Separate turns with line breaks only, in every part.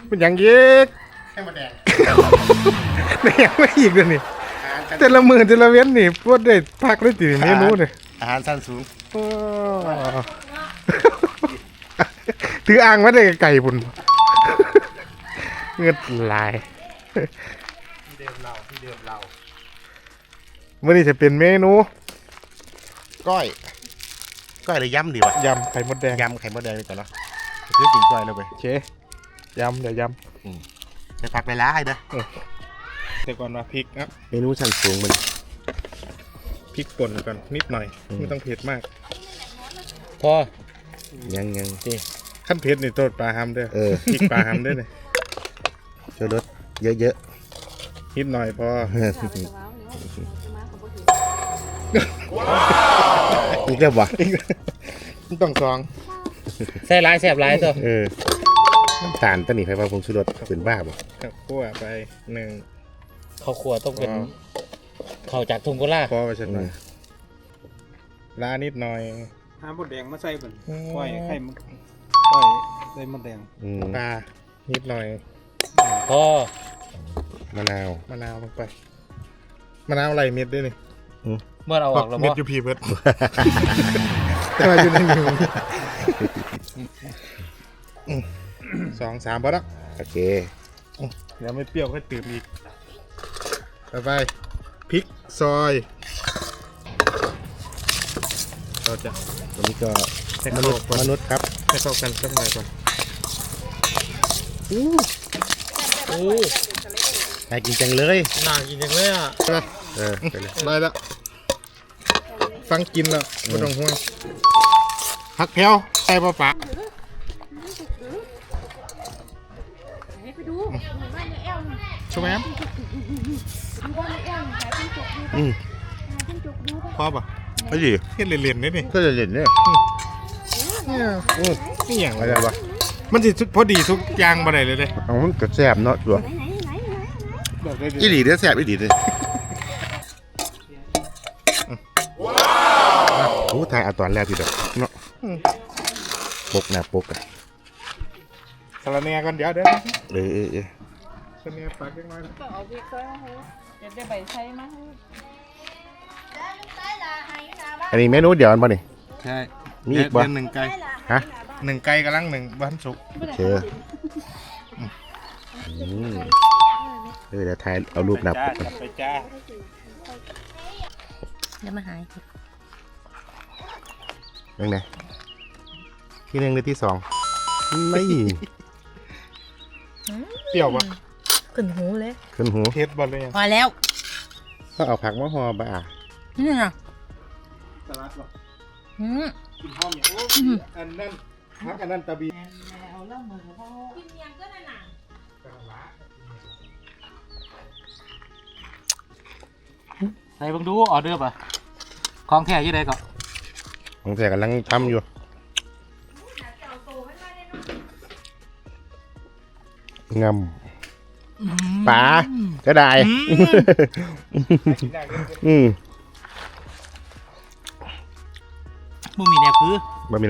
เป็นอย่างเย็กให้มาแดงไม่ยังไม่อีกเลยนี่แต่ละมือแต่ละเว้นนี่พวดได้พักได้ตีเมนูเลย
อาหารสั้นสูง
ถืออ่างมาได้ไก่บุญเงือดลาย
เดิมเรา
เมื่อนี้จะเป็นเมนู
ก้อยหรือยำดีวะ
ยำไข่มดแดง
ยำไข่มดแดงดีกว่าเนาะคือกินก้อยเลยไป
เชยำเดี๋ยวย
ำจะพักเวลาให้เด้อ
แต่ก่อนมาพริกนะ
เมนูชั้นสูงมัน
พริกป่นก่อนนิดหน่อยไม่ต้องเผ็ดมาก
พอยัง
ที่ขั้นเผ็ดนี่โทษปลาฮัมด้วยพริกปลาฮัมด้วยเลย
ช่วยลดเยอะ
นิดหน่อยพอ
อีกแล้ววะ
ต้องซอง
ใส่ลายแสบลายตัว
น้ำตาลต้นนี้ไฟฟ้าพงชูรสเป็นบ้าบ่
ครับคั่วไป
ข้าวคั่วต้องเป็นข้าวจากทุ่งกุลา
พอไปเสร็จหน่อยลานิดหน่อย
หามดแดงมาใส่เป็นก้อยไข่ก้อยใส่มดแดง
ปลานิดหน่อย
พอ
มะนาว
ลงไปมะนาวอะไรเม็ดด้วยนี่
เมื่อเราออกแล้ว
เม็ดยูพีเพิร์ดแต่ว่าอยู่ในมือ2-3พอแล้ว
โอเค
เดี๋ยวไม่เปรี้ยวค่อยตื่มอีกต่อไปพริกซอยเราจะ
วันนี้ก็มนุษย์ครับ
ให้เข้ากันสักหน่อยก่อน
น่ากินจังเลย
น่ากินจังเลยอ่ะ
ไปเลยได้แล้วฟังกินแล้วไม่ต้องห่วงผักแพรวใส่ปลาปะช่วยไหมพอป่ะ
ไม่ดี
เฮ็ดเล่นๆนี่
ก็จะเล่นเนี่ย
นี่อย่างไรวะมันสิพอดีทุกอย่างมาได้เลย
เอามันกระแซบเนาะตัวอีหลีเด้อแซบอีหลีเด้อโอ้ถ่ายเอาตอนแรกพี่เด้อเนาะปกนะปกอะ
สลัดเนียกันเดี๋ยวสลัดเนียปากเล็กน้อย
ก็เอาพริกซอยมาให้เดี๋ยวได้ใบไทยมาให้
อันนี้เมนูเดียวกันป่ะนี่
ใช่
มีอีกป่ะ
1 ไก่
ฮะ
1 ไก่กำลัง1บ้านสุก
เชื่อเดี๋ยวถ่ายเอารูปนับ
ไปจ้า
เดี๋ยวมาหาย
ยังไงที่1หรือที่2ไม่
เปรี้ยวปะ
ขึ้นหูเลย
ขึ้นหู
เผ็ดบอลเลย
พอแล้ว
ก็เอาผักมาห่อบ่า
นี่นะ
สลัดหรอ
กิน
หอมอย่างอันนั้นพักอันนั้นตะบี
เอาเล่ามือเขากินยังก็นั่นน่ะ
ใส่บังดูออเดอร์ป่ะของแท้ยี่ใดก็
ของแท้กำลังทำอยู่งำปลาก็ได้
บ่มีแนวคือ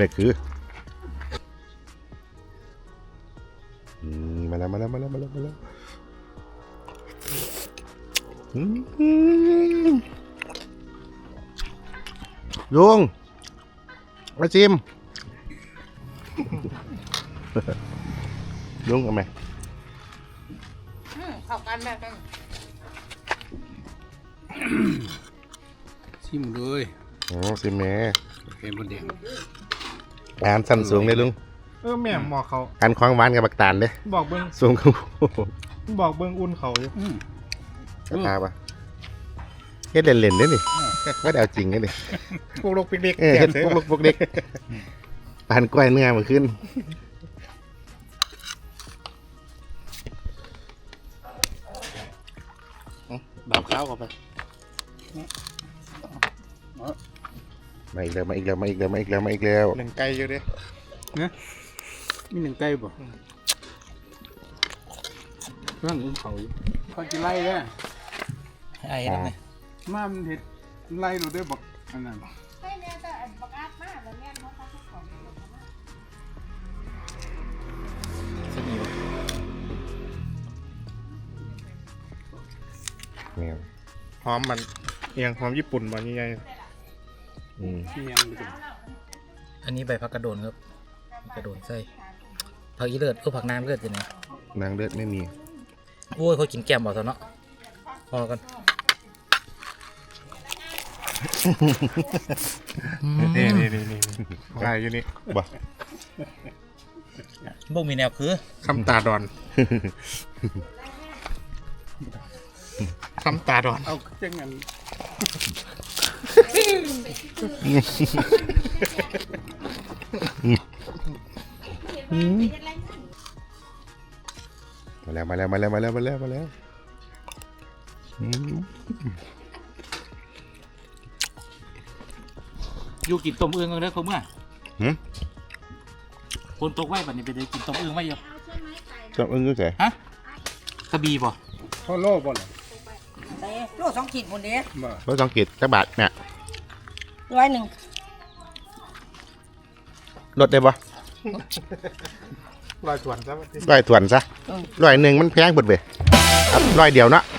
มาแล้วลุงมาชิมลุงเอาไหม
เข้ากันแบบกัน
ชิมเลย
ชิมแม่
เห็นบนแดง
อาหารสั้นสูงเลยลุง
แม่หมอกเขา
การคว้างหวานกับบักตาลเด้
บอกเบิ้ง
สูงเขา
บอกเบิ้งอุ่นเขาอยู่
กระทาปะเฮ็ดเล่นๆเด้นี่ไม่ได้เอาจริงเลยนี่
พวกลูกเด็ก
เฮ็ดพวกเด็กปานกล้วยเนื้อมาขึ้น
แบบข้าวเข้าไป
มาอีกแล้ว
1 ไก่อยู่ดิ
เนี่ยมี1 ไก่บ่เรื่องอุ้มเขาเขาจะไล่ได้
ไอ้นั่นไง
มามันเห็ดไล่เราได้บอกอันนั้น
ให้เนี่ยแต่บักอาดมากแล้วเนี่ยเขาของ
เนี่ย
หอมมันเอียงหอมญี่ปุ่นบ่ใหญ่
อืม
ที่ยังอยู่
อันนี้ใบผักกระโดนครับกระโดนใส่ผักอีเลือดผักน้ำเลือดจะไหน
นางเลือดไม่มี
โอ้ยเขากินแก้มบ่ซะเนาะพอกัน
ๆนี่ได้อยู่นี่
บ่
บ่มีแนวคือ
คำตาดอนคำตาดอน
เอาจังงั้น
มาแล้วอืม
อยู่กินต้มอึ่งกันเด้อเขาเมื่อ
หืม
คนตกไว้บัดนี้ไปได้กินต้มอึ่งไว้อยู่
ชอบอึ้งก็ใส่
ฮะกระบี่บ่
พ่อโลบ่ล่ะ
โลสองขีดหมดเด้
บ่
รถสองกิจจักบาทเนี่ย
100
ลดได้บ่
ลอยส่วนซะ
ร้อยถ่วนซะ100มันแพงเบิดเว้ยครับ100เดียวเนาะ